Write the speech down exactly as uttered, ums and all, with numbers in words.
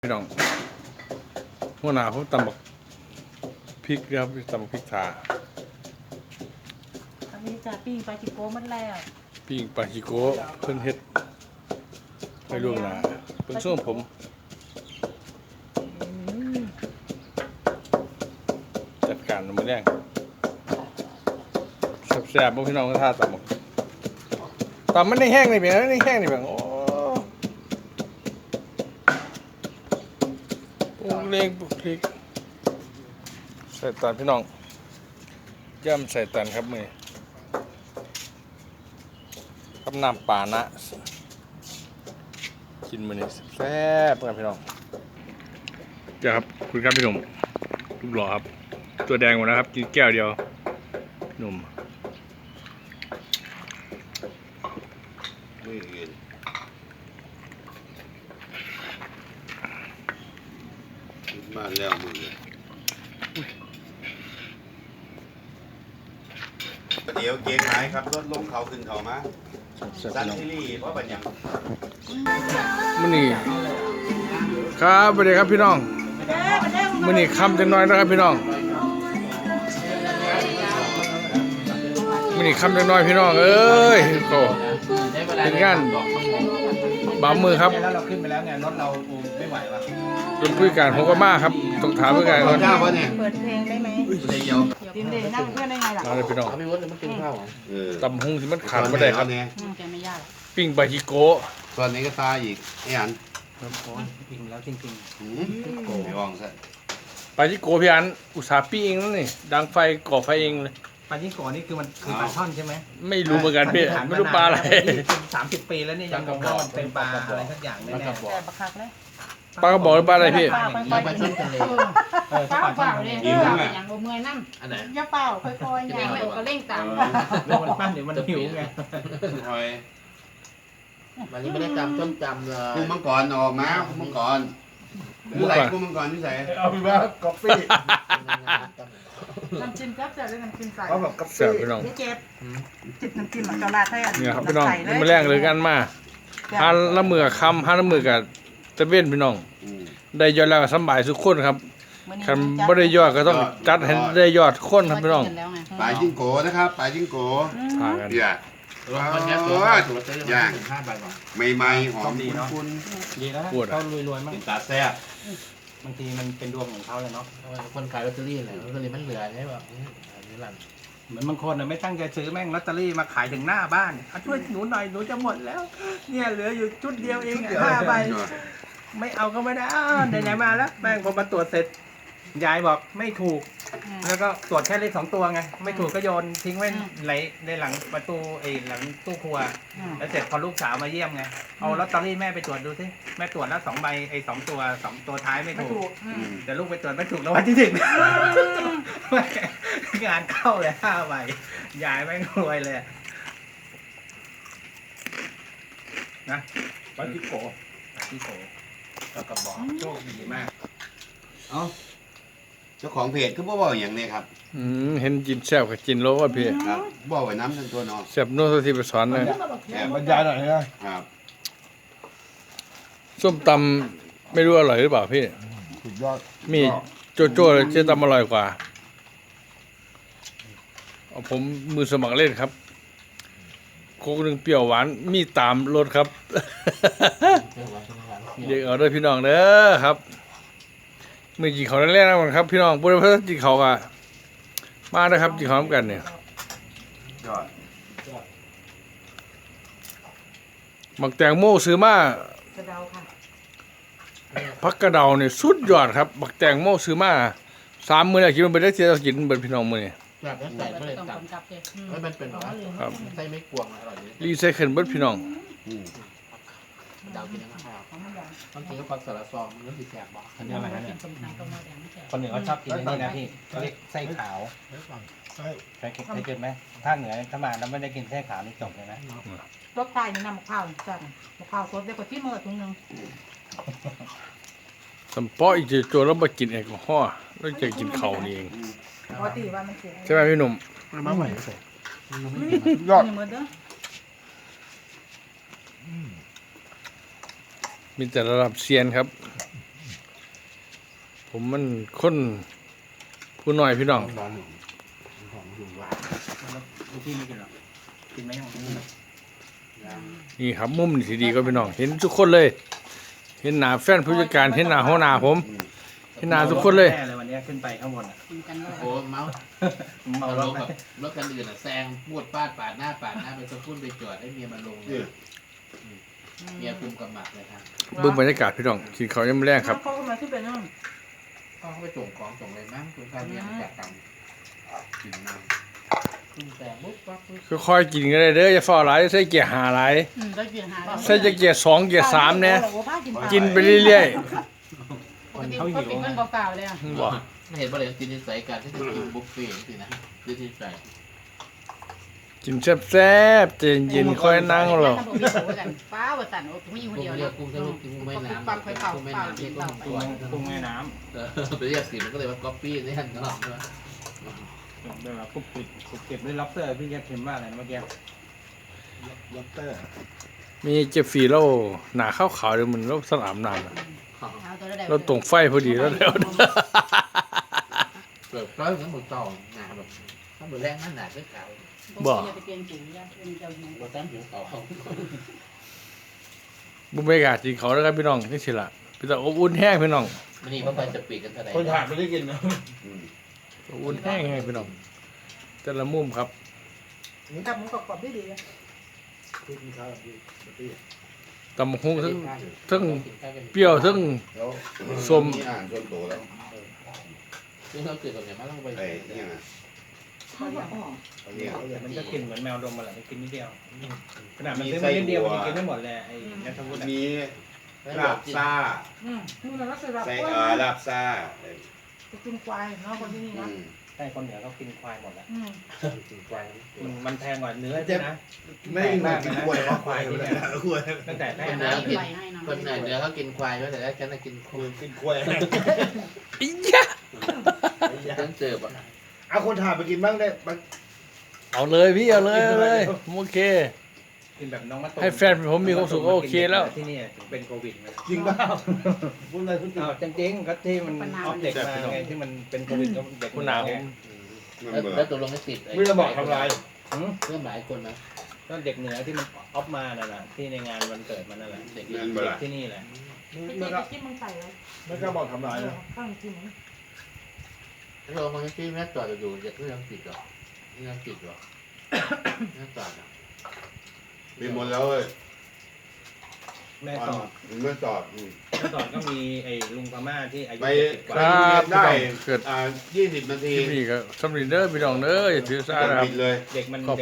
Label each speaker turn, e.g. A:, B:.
A: พี่น้องหัวหน้าผมตำบักพริกครับตำบักพริกถา
B: อันนี้จะปิ้งปลาจิโก้มันแล้ว
A: ปิ้งปลาฮิโกะเพิ่นเฮ็ดให้ล่วงหน้าเพิ่นส่งผมจัดการมื้อแรงแซ่บๆบ่พี่น้องก็ท่าตำบักตำมันได้แห้งนี่เพียงนี่แห้งนี่เพียงโอ้ปรุงเล็กปรุงพริกใส่ตอนพี่น้องย่ำใส่ตันครับมือกับน้ำปลานะกินมื้อนี้แซ่บครับพี่น้องเจ้าครับคุณครับพี่หนุ่มรูปหล่อครับตัวแดงหมดนะครับกินแก้วเดียวหนุ่ม
C: ไม่เห็นมาแล้วมึงเดี๋ยวเกงหายครับรถลงเขาขึ้นเขามา
A: แซ่บ
C: ซัน
A: พี่น้อง
C: ซิลี่เพราะปัญญา
A: มื้อนี้ครับสวัสดีครับพี่น้องมื้อนี้ค่ำจังน้อยนะครับพี่น้องมื้อนี้ค่ำจังน้อยพี่น้องเอ้ยโตเป็นงานบ่าวมือครับ
D: แล้วเราขึ้นไปแล้วไงรถเราไม่ไหววะ
A: เป็นผู้การผมก็มาครับต้องถามผู้การก่อน
C: เจ้าวะเนี่ย
B: เปิดเพลงได้ไหม
C: เดียว
B: ดินเดนั่งเพื่อนได้ไงล่ะ
A: มาเลยพี่น้อง
D: ไม่วดเลยมันกินข้าวเหรอ
C: เออ
A: ตำหุงที่มันขาดบ่ได้ครับ
C: เนี่ย
B: อืมแกไม่ยาก
A: ปิ้งบาฮิโกะ
C: ตอนนี้ก็ตายอีกไอ้อัน
D: กินแล้วจริง
C: หืมไม่ว่างซะ
A: บาฮิโกะพี่อันอุตสาห์ปิ้งเองนั่นนี่ดังไฟก่อไฟเองเลย
D: ๆปลายิ่งก่อนี่คือมันคือปลาช่อนใช่ไหม
A: ไม่รู้เหมือนกันพี่ไม่รู้ปลาอะไร
D: สามสิบปีแล้วเนี่ยยังบอกว่ามันเป็นปลาอะไรสักอย่างแน่
B: แต่บักคักเลย
A: ปลากระบอกหรือปลาอะไรพี่
B: ปลาปลาปลาช่อนทะเล
D: ๆเออ
E: เปล่า
D: ปลา
E: เป
D: ช่อ
E: ล่าน เลย
D: ทะเล
E: เออเป็นอย่างบ่เมื่อยน้ำ
D: อันไหน
B: อย่าเปล่าค่อยๆอย่า
E: เร่งเลยก็เร่งตาม
D: แล้วมันปั้นเดี๋ยวมันหิวไง
C: หอย
F: วันนี้ไม่ได้จำต้นจำเลย
C: กุ้งมังกรออกมากุ้งมังกรอะไรกุ้งมังกรที่ใส่
D: เอาไปว่ากาแฟ
B: น้ำจิ้มแซ่บแต่เรื่องน้ำจิ้มใส่
D: เขาแบบกาแฟ
A: แซ่บพี่น้อง
B: เจ๊เจ็บจิบน้ำจิ้มมันจะราดให้อัน
A: เนี่ยครับพี่น้อง
B: ใส่
A: มันแรงเลยกันมาหันละมือกับคำหันละมือกับตะเวนพี่น้อง
C: อืม
A: ได้ยอดแล้วก็สำบายทุกคนครับคันบ่ได้ยอดก็ต้องจัดให้ได้ยอดคนครับพี่น้อง
E: แล้วไง
C: ปลาจิ้งโกนะครับปลาจิ้งโก
A: พากัน
C: เดี๋ยว
F: วันนี้ตัวตัวซื้อย่างห้าใบก่อน
C: ใหม่ๆหอมคุ้น
D: ดีแล้วเขารวยๆ
C: ๆ
D: มั้ง
C: เป็นตาแซ่บบ
D: างทีมันเป็นดวงของเขาเลยเนาะ
F: คนขายลอตเตอรี่แหละลอตเตอรี่มันเหลือใช่ป่ะอันนี้หลัง
D: เหมือนบางคนไม่ตั้งใจซื้อแม่งลอตเตอรี่มาขายถึงหน้าบ้านอ่ะช่วยหนูหน่อยหนูจะหมดแล้ว เนี่ยเหลืออยู่ชุดเดียวเองห้าใบ ไม่เอาก็ไม่ได้อ้าวไหนๆมาแล้วแม่งพอมาตรวจเสร็จยายบอกไม่ถูก แล้วก็ตรวจแค่เลขสองตัวไงไม่ถูกก็โยนทิ้งไว้ในในหลังประตูไอ้หลังตู้ครัว แล้วเสร็จพอลูกสาวมาเยี่ยมไงเอาลอตเตอรี่แม่ไปตรวจดูสิแม่ตรวจแล้วสองใบไอ้สองตัวสองตัวท้ายไม่
B: ไม่
D: ถู
B: ถู
D: ก
B: กอืม
D: แต่ลูกไปตรวจไม่ถูกแล้ววันที่หนึ่งงานเข้าเลยห้าใบยายไม่งรวยเลยนะปาจิโกปาจิโกแล้วก็บอกโชคดีมาก
C: เอ้าเจ้าของเพจก็บ่บอกอย่างนี้ครับ
A: อืมเห็นกินแซ่บกับกินโลว่าพี่
C: ครับบอกไว้น้ำทั้งตัวเนอ
A: แซ่บโน้ตที่ไปสอนเลย
C: แอบ
D: บรรยายหน่อยนะครับ
A: ส้มตำไม่รู้อร่อยหรือเปล่าพี่
D: สุดยอด
A: มีโจโจ้เจ๊ตำอร่อยกว่าเอาผมมือสมัครเล่นครับโคกหนึ่งเปรี้ยวหวานมีตามรสครับ เด็กเอาเด้อพี่น้องเด้อครับมือจีเขาแรกๆนะครับ พี่น้องบุรีรัมย์จีเขาอะมาได้ครับจีเขาทำกันเนี่ย
C: ยอด
A: หมักแตงโมซื้อมาก
B: ระเดาค่ะ
A: พักกระเดาเนี่ยสุดยอดครับหมักแตงโมซื้อมาสามมื้อแล้วคิดว่าเป็นได้เสียกินเบิดพี่น้องมื้อนี้
F: แบบนั้นใส่ไม่ได้
E: ต้อง
F: จับ
E: กำกับเลย
F: ไม่มันเป็นหรอ
A: ครับ
F: ใส่ไม่กวงอร่อยดี
A: รีไซเคิลเบิดพี่น้อง
C: อืม
F: ดาวกินยังไงต้องกินกับปลาสลัดซองมันติดแสบบอก
D: อันนี้อะไรนะ
E: กิ
D: เนี่ย
E: นสมทานก็มาแดงไม่แฉะ
D: คนเหนือเขาชอบกินอันนี้นะพี่เขาเรียกไส้ขาวเคยเคยเคยกินไหมถ้าเหนือถ้ามาแล้วไม่ได้กินไส้ขาวนี่จบเลยนะ
B: รสไทยนี่นำมะพร้าวสั่นมะพร้าวสดเดี๋ยวก็ที่มือถุงนึง
A: สำปออีกโจแล้วมากินแอลกอฮอล์แล้วจะกินข้าวนี่เอง
B: ปกติว่ามันเสีย
A: ใช่ไหมพี่หนุ่ม
D: มาใหม่
B: ยอดนี่มือเด้อ
A: มีแต่ระดับเซียนครับผมมันคนผู้น้อยพี่น้อง
C: ตอนหนึ่งของอยู่ว่า
D: ลูกพี่ไม่กินหรอกกินไหมยัง
A: นี่ครับมุมนี่สิดีก็พี่น้อง เห็นทุกคนเลย เห็นหน้าแฟนผู้จัดการเห็นหน้าหัวหน้าผม เห็นหน้าทุกคนเลย
D: แน่เลยวันนี้ขึ้นไปข้างบนอ่ะ
E: กินกันเลย
F: โอ้เมาส์
D: เมา
F: เอา
D: ร
F: ร
D: ถ
F: ถ
D: ไหม
F: กับรถคันอื่นอ่ะแซงพูดปาดปาดหน้าปาดหน้าไปสะพุ่นไปจอดให้เมียมันลงเลยเมียคุมกำหมัดเลยครับ
A: เบิ่งบรรยากาศพี่น้องกินข้าวยังไม่แรงครับ
B: เขาก็มาขึ้นไปนั่น
F: พ่อเขาไปส่งของส่งอะไรมั้งคุณข้าวเมียมาจากตังกินน้ำขึ้นแซงปุ๊บปั๊บปุ๊บ
A: ค่อยๆกินก็ได้เด้ออย่าฟ้าหลายใส่เกียร์หาหลาย
E: อืมได้กินหาแล้ว
A: ใส่จะเกียร์สองเกียร์สามเนี่ย กินไปเรื่อย
E: ปกติเขากินกันเปล่าๆเลยอ่ะ
A: ๆบอก
F: ไม่เห็นว่าเลยจินนิสัยการที่จะกินบุฟเฟ่ต์สินะจินนิสัย
A: กินแซ่บๆเย็นเย็นๆค่อยนั่งหรอก
E: นั่งบ่มีโถกันป้าว่าสั่นโอ้ผมอยู่คน
F: กุ้ง
E: เดียว
F: เรีย
E: นะ
F: กกุ้งทะลุกุ้งแม่น้ำ
E: ปักไข่เป่า
F: กุ้งแม่
E: เป่า
F: น้ำ
E: กิ
F: ที่
E: น
F: กุ้
E: เป่าง ไป
F: ตัว
D: กุ้งแม่น้
F: เออไปเรียกสีมันก็เลยว่าก๊อปปี้นี่ฮันตลอดเลย
D: ำเดี๋ยวเรากุบกิบกุบกิบด้วยล็อบสเตอร์พี่แกพิมพ์ว่าอะไรนะเมื่อกี้
C: ล็อบเตอร์
A: มีเจ็บฝีเราหนาข้าวขาวๆเดี๋ยวมันเราสนามน้ำอะ
E: เอาตัวได้
A: เราตรงไฟพอดีแล้วแล้ว
F: เกิดร้อยเหมือนหมูต่อหนาแบบถ้าหมูแรงนั่นหนาก็ขาว
E: บ่ไปเปลี่ยนสีย่าเป็นเจ้าหญิง
F: หมูแต้มผิวขาว
A: บุ้มไม่กล้ากินเขาแล้วครับพี่น้องนี่สิล่ะพี่ตาอบอุ่นแห้งพี่น้อง
F: มันนี่มันไปจะปีกกันเท่าไหร่
D: คนถ่ายไม่ได้กินนะ
A: อบอุ่นแห้งไงพี่น้องแต่ละมุมครับ
B: กับมึงกรอบๆดี
A: ตำบักหุ่งทั้งทั้งเปรี้ยวทั้ง
C: แล้ว
A: ส้ม
C: นี่อ่านส่วนตัวแล้ว
F: ซึ่งเราเกิดกับเนี่ยมันต้องไป
C: ไอ้เนี่ยนะ
B: ๆเขาบอกอ๋อ
C: ไอ้เนี่ย
D: มันก็กินเหมือนแมวดมมาแหละมันกินนิดเดียวขนาดมันซื้อมานิดเดียวมันยังกินไม่หมดเลยไอ้นัทวุฒิอะ
C: มีลาบซ่า
B: อืมนี่มันก็สำหรับ
C: ใส่
B: กล้วย
C: เอ่อ
B: นะ
C: ลาบซ่า
B: จะกินควายเนาะคนที่นี่
C: อื
B: นะ
C: ม
D: ใช่คนเหนือเขากินควายหมดแล้ว
B: อืม
F: กินควาย
D: มันมันแพงกว่าเนื้อใช่นะ
C: ไม่เหมือนกินกล้วยเพราะควายที่เนี่ยกล้วย
D: ตั้งแต่แร
F: คน
D: ก
F: เหนื
D: นะ
F: อกินคนเหนือเหนือเขากินควายแต่แล้วฉันกินคุย
C: กินกล้วย
A: อียะ
F: ฉันเจอปะ
C: เอาคนถ่ายไปกินบ้างได้บ้าง
A: เอาเลยพี่เอาเลยเอาเลยผมโอเค
D: กินแบบน้องมะตูม
A: ให้แฟนผมมีความสุขก็โอเคแล้ว
D: ที่นี่ถึงเป็นโควิดไง
C: จริงเปล่าพูดอะไรพูดจริง
D: อ้าวจริงๆก็ที่มันออฟเด็กมาไงที่มันเป็นโควิดก็เด็ก
A: คุณหนาผม
F: แล้วตกลงไม่ติด
C: ไม่ได้บอกทำลาย
D: หืม
F: เพื่อนหลายคนนะ
D: ก็เด็กเหนือที่มันออฟมานั่นแหละที่ในงานวันเกิดมันนั่นแหละเด็ก
C: นั่นเปล่า
D: ที่นี่แหละ
B: พี่
C: ไม่
B: จิ๊
C: ก็
B: บจิ้มมึงใส่เลย
C: ไม่ก็บอกทำลายนะ
B: ข้างจิ้ม
F: เราคนที่แม่จอดอยู่เด็กก็ยังติดหรอยังติดหรอแม่จอดอ่ะ
C: มีหมดแล้วเว้ย
D: แม่สอด
C: แม่จอดอืม
D: แม่สอดก็มีไอ้ลุงพม่าที่อายุ
C: ไป
D: เจ็ดสิบก
C: ไป
D: ว่า
C: โรงเรียนได้
A: เกิด
C: อ่ายี่สิบนาที
A: ที่นี่ก็สำเร็จเด้อพี่น้องเด้ออย่าถือสา
C: ก่อน
A: นะครับ
C: ปิดเลย
D: เด็กมัน